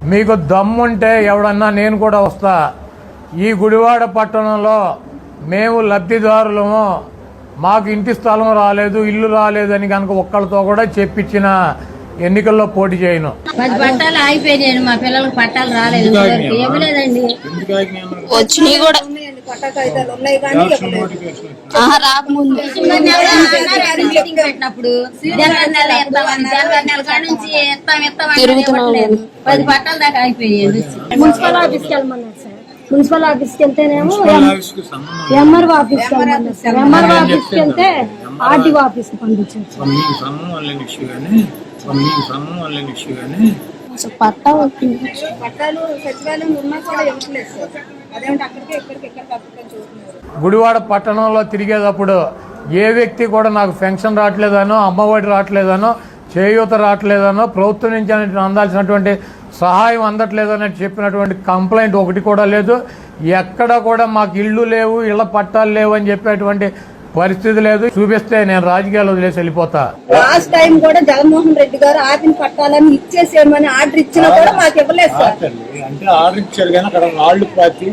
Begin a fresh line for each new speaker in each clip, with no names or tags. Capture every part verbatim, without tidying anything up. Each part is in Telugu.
మీకు దమ్ముంటే ఎవడన్నా నేను కూడా వస్తా. ఈ గుడివాడ పట్టణంలో మేము లబ్ధిదారులము, మాకు ఇంటి స్థలం రాలేదు, ఇల్లు రాలేదు అని కనుక ఒక్కళ్ళతో కూడా చెప్పించిన ఎన్నికల్లో పోటీ చేయను.
పది పట్టాలు ఆగిపోయాయి, మా పిల్లలకు పట్టాలు రాలేదు, ఏమి లేదండి.
వచ్చినాయి కూడా రాకముందు
పెట్టినప్పుడు తిరుగుతున్నాం, పది పట్టాల దాకా ఆగిపోయాయి.
మున్సిపల్ ఆఫీస్కి వెళ్ళమన్నారు సార్. మున్సిపల్ ఆఫీస్కి వెళ్తేనేమో ఎంఆర్ఓ ఆఫీస్కి వెళ్ళమన్నారు సార్. ఎంఆర్ఓ ఆఫీస్కి వెళ్తే ఆర్టీఓ ఆఫీస్కి పంపించారు.
పట్టాలు సచివాలయం ఉన్నా కూడా ఇవ్వట్లేదు సార్. అదేంటి అక్కడికి ఇక్కడికి ఎక్కడ చూస్తున్నారు.
గుడివాడ పట్టణంలో తిరిగేటప్పుడు ఏ వ్యక్తి కూడా నాకు పెన్షన్ రావట్లేదనో, అమ్మఒడి రావట్లేదనో, చేయూత రావట్లేదనో, ప్రభుత్వం నుంచి అందాల్సినటువంటి సహాయం అందట్లేదని చెప్పినటువంటి కంప్లైంట్ ఒకటి కూడా లేదు. ఎక్కడ కూడా మాకు ఇళ్ళు లేవు, ఇళ్ల పట్టాలు లేవు అని చెప్పేటువంటి పరిస్థితి లేదు. చూపిస్తే నేను రాజకీయాలు వదిలేసి వెళ్ళిపోతా.
లాస్ట్ టైం కూడా జగన్మోహన్ రెడ్డి గారు ఆపిన పట్టాలని ఇచ్చేసేయమని ఆర్డర్ ఇచ్చినా కూడా మాకు ఇవ్వలేదు సార్.
అంటే ఆర్డర్ ఇచ్చారు కానీ అక్కడ రాళ్లు పాతి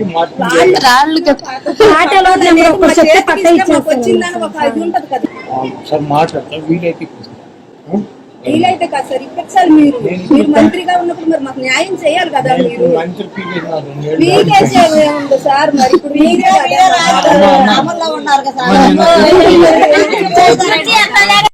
వచ్చిందని ఒక ఇది ఉంటది కదా
సార్. మాట్లాడతా వీలైతే
వీలైతే కదా సార్. ఇప్పించాలి మీరు. మీరు మంత్రిగా ఉన్నప్పుడు మరి మాకు న్యాయం చేయాలి కదా. మీరు పీకేసేది ఏముంది సార్. మరి ఇప్పుడు మీరే అమల్లో ఉన్నారు కదా.